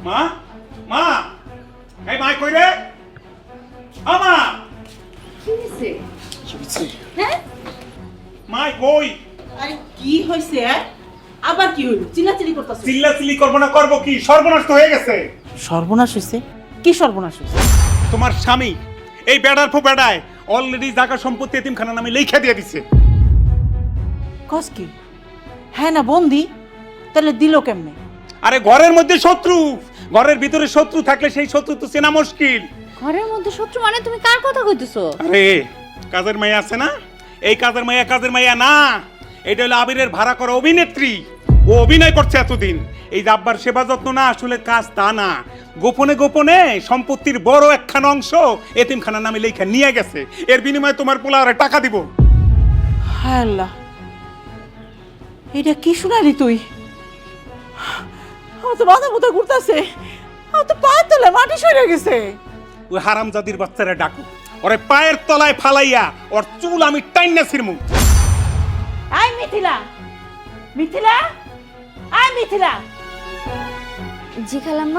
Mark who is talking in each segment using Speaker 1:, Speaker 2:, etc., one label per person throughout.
Speaker 1: মা মা এই মা কই রে আমা
Speaker 2: কি হইছে? হ্যাঁ?
Speaker 1: মা কই
Speaker 3: আরে কি হইছে? আবার কি হইল? চিল্লাচিল্লি করতাছ?
Speaker 1: চিল্লাচিল্লি করবো না করবো কি সর্বনাশ তো হয়ে গেছে
Speaker 3: সর্বনাশ হইছে? কি সর্বনাশ হইছে?
Speaker 1: তোমার স্বামী এই বেড়ার ফো বেড়ায় অলরেডি জায়গা সম্পত্তি এতিমখানা নামে লেখা দিয়ে দিছে।
Speaker 3: কস কি? হ্যাঁ না বন্দি? তাহলে দিল কেমনে?
Speaker 1: আরে ঘরের মধ্যে শত্রু, ঘরের ভিতরে শত্রু থাকলে সেই শত্রু তো চেনা মুশকিল।
Speaker 2: ঘরের মধ্যে শত্রু মানে তুমি কার কথা কইতেছো?
Speaker 1: আরে কাজের মাইয়া আছে না, এই কাজের মাইয়া না, এটা হলো আবিরের ভাড়া করা অভিনেত্রী। ও অভিনয় করছে এতদিন। এই যে আব্বার সেবা যত্ন না আসলে কাজ তা না, গোপনে গোপনে সম্পত্তির বড় একখানা অংশ এতিমখানা নামে লেখা নিয়ে গেছে। এর বিনিময়ে তোমার পোলা আরে টাকা দিব।
Speaker 3: হায় আল্লাহ, এটা কি শুনালি তুই? আমার তো মাথা মুথা ঘুরতাছে, আমার তো পায়ের তলায় মাটি সরে গেছে।
Speaker 1: ওই হারামজাদির বাচ্চারা ডাকো, ওরে পায়ের তলায় ফালাইয়া ওর চুল আমি টাইনা ছিড়মু।
Speaker 3: আই মিথিলা, মিথিলা, আই মিথিলা।
Speaker 2: জি খালাম্মা।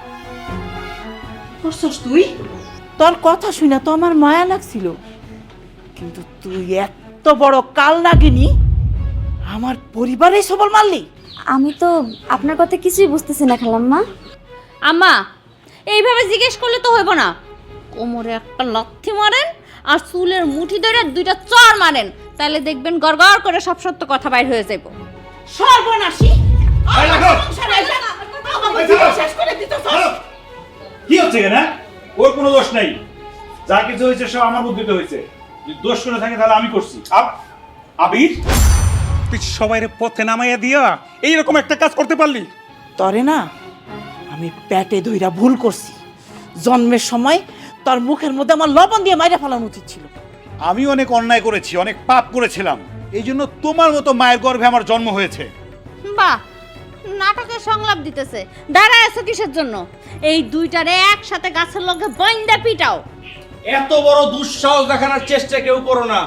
Speaker 3: করছস তুই? তোর কথা শুনে তো আমার মায়া লাগছিল, কিন্তু তুই এত বড় কাল নাগিনি আমার পরিবারেই সবল মারলি।
Speaker 2: আমি তো আপনার কথা কিছুই বুঝতেছি না খালাম্মা। আম্মা, এইভাবে জিজ্ঞেস করলে তো হইব না। কোমরে একটা লাথি মারেন আর চুলের মুঠি ধরে দুইটা চড় মারেন, তাহলে দেখবেন গড়গড় করে সব সত্য কথা বাইর হয়ে যাইব।
Speaker 3: সর্বনাশী!
Speaker 1: এই দেখো!
Speaker 3: আমার জীবন শেষ করে দিতেছস।
Speaker 4: কি হচ্ছে কেন? ওর কোনো দোষ নাই, যা কিছু হয়েছে সব আমার বুদ্ধিতে হয়েছে। যদি দোষ করে থাকে তাহলে আমি করছি।
Speaker 1: আবির, তুই সবাইরে পথে নামাইয়া দিয়া এইরকম একটা কাজ করতে পারলি?
Speaker 3: তরে না, আমি পেটে ধইরা ভুল করছি। জন্মের সময় তোর মুখের মধ্যে আমার লবণ দিয়ে মাইরা ফেলানো উচিত ছিল।
Speaker 4: আমি অনেক অন্যায় করেছি, অনেক পাপ করেছিলাম, এই জন্য তোমার মতো মায়ের গর্ভে আমার জন্ম হয়েছে।
Speaker 2: বাহ, নাটকের সংলাপ দিতেছে। দাঁড়ায় আছো কিসের জন্য? এই দুইটারে একসাথে গাছের লগে বইন্দা পিটাও।
Speaker 5: এত বড় দুঃসাহস দেখানোর চেষ্টা কেউ করো না।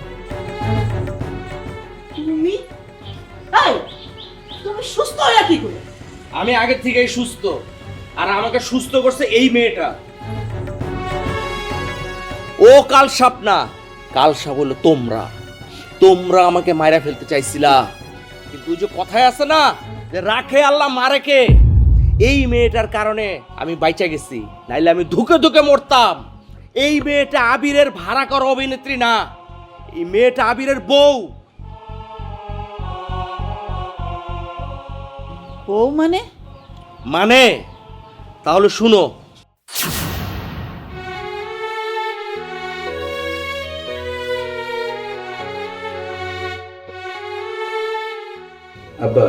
Speaker 3: তুমি এই, তুমি সুস্থ হইয়া কি করে?
Speaker 5: আমি আগে থেকেই সুস্থ, আর আমাকে সুস্থ করছে এই মেয়েটা। ও কাল সাপ না, কাল সাপ হলো তোমরা। তোমরা আমাকে মাইরা ফেলতে চাইছিলা, কিন্তু ওই যে কথায় আছে না যে রাখে আল্লাহ মারে কে, এই মেয়েটার কারণে আমি বাইচা গেছি, নাইলে আমি ধুকে ধুকে মরতাম। এই মেয়েটা আবিরের ভাড়া করা অভিনেত্রী না, এই মেয়েটা আবিরের বউ।
Speaker 3: বউ মানে?
Speaker 5: মানে তাহলে শুনো।
Speaker 4: আব্বা,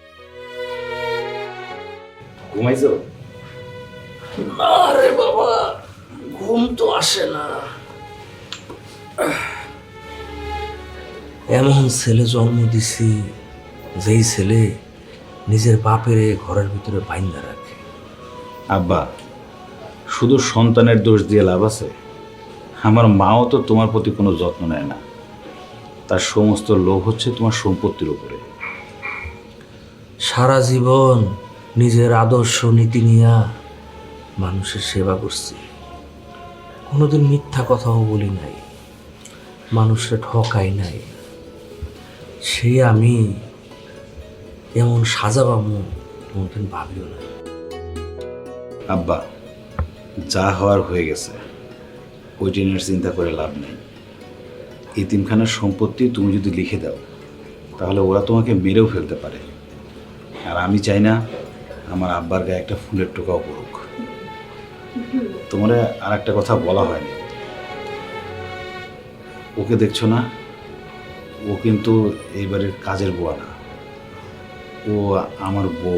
Speaker 4: ঘুমাইছো?
Speaker 5: আরে বাবা, ঘুম তো আসে না।
Speaker 6: এমন ছেলে জন্ম দিছি যেই ছেলে নিজের বাপের ঘরের ভিতরে বাইন্দা রাখে।
Speaker 4: আব্বা, শুধু সন্তানের দোষ দিয়ে লাভ আছে? আমার মাও তো তোমার প্রতি কোনো যত্ন নেয় না, তার সমস্ত লোভ হচ্ছে তোমার সম্পত্তির উপরে।
Speaker 6: সারা জীবন নিজের আদর্শ নীতি নিয়া মানুষের সেবা করছি, কোনোদিন মিথ্যা কথাও বলি নাই, মানুষের ঠকাই নাই। সে আমি এমন সাজা পাবো কোনোদিন ভাবিও না।
Speaker 4: আব্বা, যা হওয়ার হয়ে গেছে, ওই দিনের চিন্তা করে লাভ নেই। এতিমখানার সম্পত্তি তুমি যদি লিখে দাও তাহলে ওরা তোমাকে মেরেও ফেলতে পারে, আর আমি চাই না আমার আব্বার গায়ে একটা ফুলের টোকাও পড়ুক। তোমার আর একটা কথা বলা হয়নি, ওকে দেখছো না, ও কিন্তু এইবারের কাজের বুয়া না, ও আমার বউ।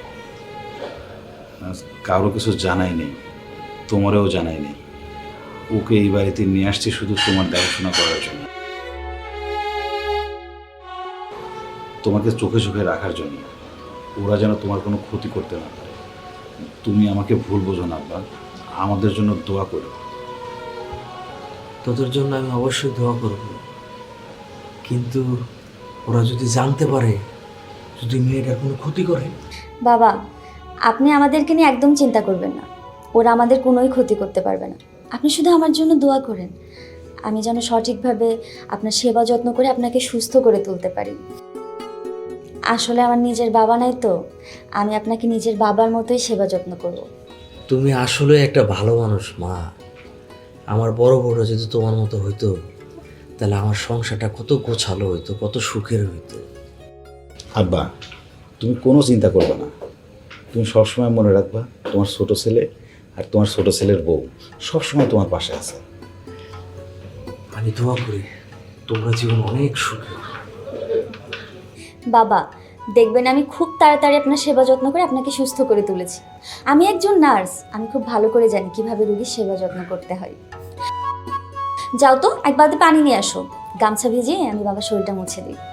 Speaker 4: কারো কিছু জানাই নেই, তোমারও জানাই নেই। ওকে এই বাড়িতে নিয়ে আসছি শুধু তোমার দেখাশোনা করার জন্য, তোমাকে চোখে চোখে রাখার জন্য, ওরা যেন তোমার কোনো ক্ষতি করতে না পারে। তুমি আমাকে ভুল বোঝো না আব্বা, আমাদের জন্য দোয়া করো।
Speaker 6: তোদের জন্য আমি অবশ্যই দোয়া করব, কিন্তু ওরা যদি জানতে পারে, যদি মেয়েটার কোনো ক্ষতি করে।
Speaker 2: বাবা,
Speaker 7: আপনি আমাদেরকে নিয়ে একদম চিন্তা করবেন না, ওরা আমাদের কোনোই ক্ষতি করতে পারবে না। আপনি শুধু আমার জন্য দোয়া করেন, আমি যেন সঠিকভাবে আপনার সেবা যত্ন করে আপনাকে সুস্থ করে তুলতে পারি। আসলে আমার নিজের বাবা নাই তো, আমি আপনাকে নিজের বাবার মতোই সেবা যত্ন করব।
Speaker 6: তুমি আসলে একটা ভালো মানুষ মা। আমার বড় বড় যদি তোমার মতো হইতো তাহলে আমার সংসারটা কত গোছালো হইতো, কত সুখের হইতো।
Speaker 4: আব্বা, তুমি কোনো চিন্তা করবে না। তুমি সবসময় মনে রাখবা তোমার ছোট ছেলে আর তোমার ছোট ছেলের বউ সবসময় তোমার পাশে আছে।
Speaker 6: আমি দোয়া করি তোমরা জীবন অনেক সুখী।
Speaker 7: বাবা, দেখবেন আমি খুব তাড়াতাড়ি আপনার সেবা যত্ন করে আপনাকে সুস্থ করে তুলেছি। আমি একজন নার্স, আমি খুব ভালো করে জানি কিভাবে রোগীর সেবা যত্ন করতে হয়। যাও তো, এক বালতি পানি নিয়ে আসো, গামছা ভিজিয়ে আমি বাবার শরীরটা মুছে দিই।